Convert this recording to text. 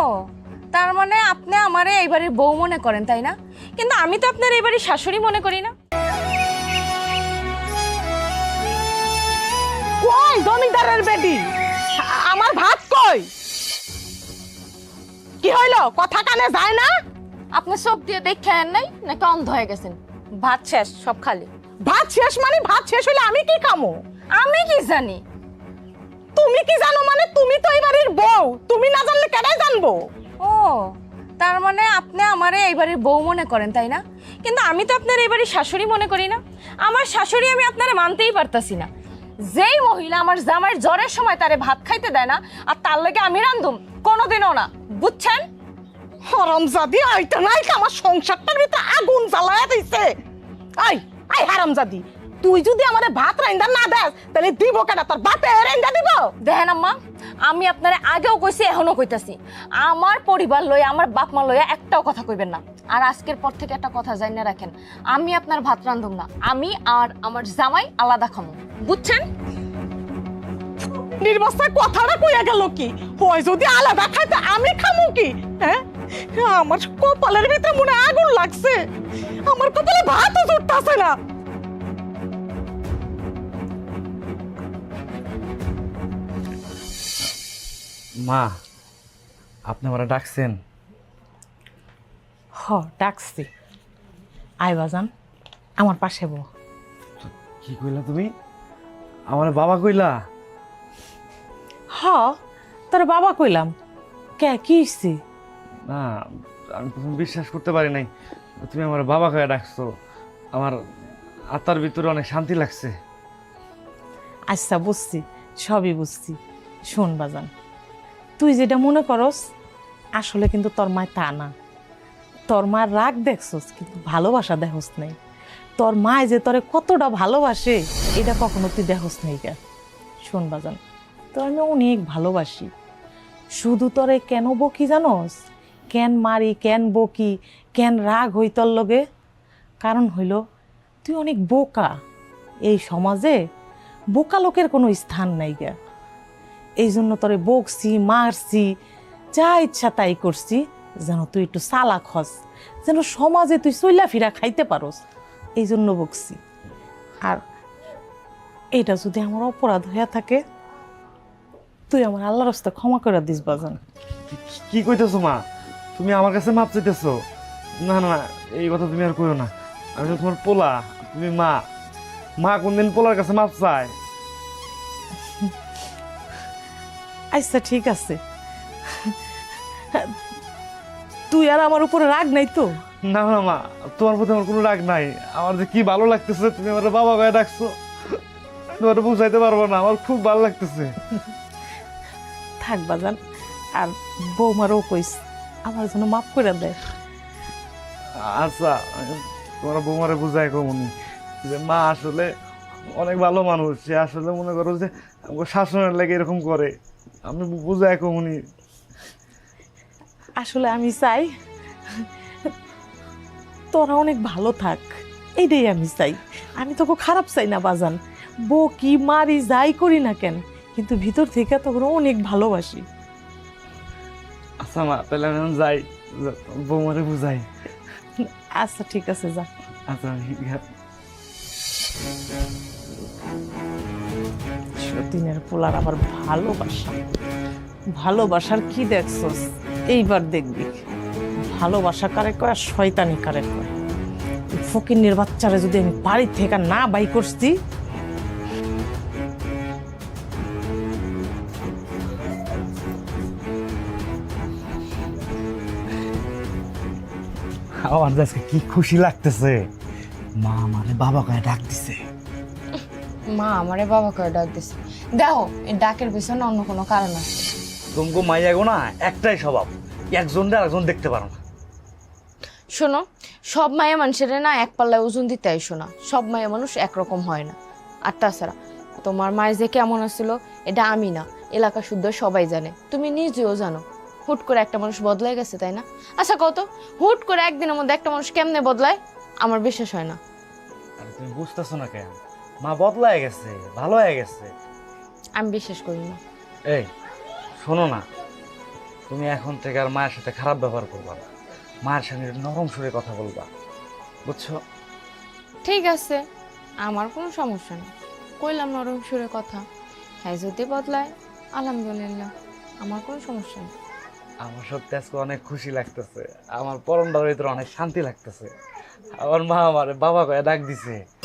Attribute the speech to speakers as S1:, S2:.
S1: তার মানে আপনি আমারে এই বাড়ির বউ মনে করেন তাই না? কিন্তু আমি তো আপনার এই বাড়ির শাশুড়ি মনে করি না।
S2: কই জমিদারের বেটি, আমার ভাত কই? কি হইলো, কথা কানে যায় না?
S1: আপনি সব দিয়ে দেখেন নাই নাকি অন্ধ হয়ে গেছেন? ভাত শেষ, সব খালি।
S2: ভাত শেষ মানে ভাত শেষ হইলে আমি কি খামো?
S1: আমি কি জানি?
S2: তুমি কি জানো মানে? তুমি তো এই বাড়ির বউ, তুমি না জানলে কেডাই জানবো?
S1: ও, তার মানে আপনি আমারে এই বাড়ির বউ মনে করেন তাই না? কিন্তু আমি তো আপনার এই বাড়ির শাশুড়ি মনে করি না। আমার শাশুড়ি আমি আপনারে মানতেই পারতাছি না। যেই মহিলা আমার জামাইয়ের জ্বরের সময় তারে ভাত খাইতে দেয় না, আর তার লাগে আমি রান্ধুম, কোনোদিনও না, বুঝছেন?
S2: হারামজাদি, আইতা নাই আমার সংসারটার ভিতরে আগুন জ্বালায়া দিছে। আই আই হারামজাদি, তুই যদি আমারে ভাত রাইন্দা না দেস তাহলে দিব কেডা? তোর বাপে রাইন্দা দিব?
S1: দেখেন আম্মা, আমি আপনারে আগেও কইছি, এখনো কইতাছি, আমার পরিবার লইয়া, আমার বাপ মা লইয়া একটাও কথা কইবেন না। আর আজকের পর থেকে একটা কথা জানিয়ে রাখেন, আমি আপনার ভাত রান্ধুম না, আমি আর আমার জামাই আলাদা খামু, বুঝছেন?
S2: নির্বাচন কথাটা কইয়া গেল কি? হয় যদি আলাদা খাইতে আমি খামু কি? হ্যাঁ, আমার কপালের ভিতরে মনে আগুন লাগছে, আমার কপালে ভাতও জুটতাছে না।
S3: মা, আপনি আমারা ডাকছেন?
S2: হ, ডাকছি। আয় বাজান, আমার পাশে বউ।
S3: কি কইলা তুমি? আমার বাবা কইলা?
S2: হ, তোর বাবা কইলাম। কে, কি হইছে?
S3: না, আমি প্রথম বিশ্বাস করতে পারি নাই তুমি আমার বাবা কয়ে ডাকছো। আমার আত্মার ভিতরে অনেক শান্তি লাগছে।
S2: আচ্ছা, বুঝছি, সবই বুঝছি। শোন বাজান, তুই যেটা মনে করস আসলে কিন্তু তোর মায় তা না। তোর মার রাগ দেখছস কিন্তু ভালোবাসা দেখস নাই। তোর মায় যে তোরে কতটা ভালোবাসে এটা কখনো তুই দেখস নাই। কে শোন বাজান, তোর আমি অনেক ভালোবাসি। শুধু তোরে কেন বকি জানোস? কেন মারি, কেন বকি, কেন রাগ হই তোর লগে? কারণ হইল তুই অনেক বোকা। এই সমাজে বোকা লোকের কোনো স্থান নাই গে। এই জন্য তোরে বকছি, মারছি, যা ইচ্ছা তাই করছি, যেন তুই একটু চালাক হস, যেন সমাজে তুই চইলা ফিরা খাইতে পারস, এই জন্য বকছি। আর এটা যদি আমার অপরাধ হইয়া থাকে, তুই আমার আল্লাহর রাস্তা ক্ষমা করে দিস বাজান।
S3: কি কইতেছো মা? তুমি আমার কাছে মাপ চাইতেছো? না না, এই কথা তুমি আর কইও না। আমি তো তোমার পোলা, তুমি মা। মা কোনদিন পোলার কাছে মাপ চায়?
S2: আচ্ছা ঠিক আছে, তুই আর আমার উপরে রাগ নাই তো?
S3: না না মা, তোমার প্রতি আমার কোনো রাগ নাই। আমার যে কি ভালো লাগতেছে তুমি আমার বাবা গায়ে ডাকছো, তোমার বুঝাইতে পারবো না, আমার খুব ভালো লাগতেছে।
S2: থাক বাজান, আর বৌমারও কইস আমার জন্য মাফ করে দেয়।
S3: আচ্ছা, তোমার বৌমারে বুঝাই কমনি যে মা আসলে অনেক ভালো মানুষ, সে আসলে মনে করো যে আমাকে শাসনের লাগে এরকম করে, আমি বুঝাই কমনি।
S2: আসলে আমি চাই তোরা অনেক ভালো থাক, এইটাই আমি চাই। আমি তোকে খারাপ চাই না বাজান, বকি মারি যাই করি না কেন, কিন্তু ভিতর থেকে তোকে অনেক ভালোবাসি।
S3: আচ্ছা মা, তাহলে আমি এখন যাই, বৌমারে বুঝাই।
S2: আচ্ছা ঠিক আছে, যা।
S3: আচ্ছা
S2: সতীনের পোলার আবার ভালোবাসা, ভালোবাসার কি দেখছস? এইবার দেখবি ভালোবাসা কারে কয় আর শয়তানি কারে কয়। ফকিন্নির বাচ্চারা যদি আমি বাড়ি থেকে না বাই করছি,
S3: আমার আজকে কি খুশি লাগতেছে, মা আমারে বাবা কয়ে ডাক দিছে।
S1: মা আমারে বাবা করে ডাক দিছে, দেখো এই ডাকের পিছনে অন্য কোনো কারণ আছে।
S3: তোমাকে মাইয়া গো না একটাই স্বভাব, একজন আরেকজন দেখতে পারো না।
S1: শোনো, সব মায়া মানুষের না এক পাল্লায় ওজন দিতে আইসো না, সব মায়া মানুষ একরকম হয় না। আর তাছাড়া তোমার মায়ের যে কেমন আছিল এটা আমি না, এলাকা শুদ্ধ সবাই জানে, তুমি নিজেও জানো। হুট করে একটা মানুষ বদলাই গেছে তাই না? আচ্ছা কত, হুট করে একদিনের মধ্যে একটা মানুষ কেমনে বদলায়? আমার বিশ্বাস হয় না।
S3: আরে তুমি বুঝতেছো না কেন? মা বদলায় গেছে, ভালো হয়ে গেছে।
S1: আমি বিশ্বাস করি না।
S3: এই শোনো না, তুমি এখন থেকে আর মায়ের সাথে খারাপ ব্যবহার করবা না, মায়ের সঙ্গে নরম সুরে কথা বলবা, বুঝছো?
S1: ঠিক আছে, আমার কোনো সমস্যা নেই, কইলাম নরম সুরে কথা। হ্যাঁ যদি বদলায় আলহামদুলিল্লাহ, আমার কোনো সমস্যা নেই।
S3: আমার সত্যি আজকে অনেক খুশি লাগতেছে, আমার পরমটার ভিতরে অনেক শান্তি লাগতেছে। আমার মা আমার বাবা কয়ে ডাক দিছে।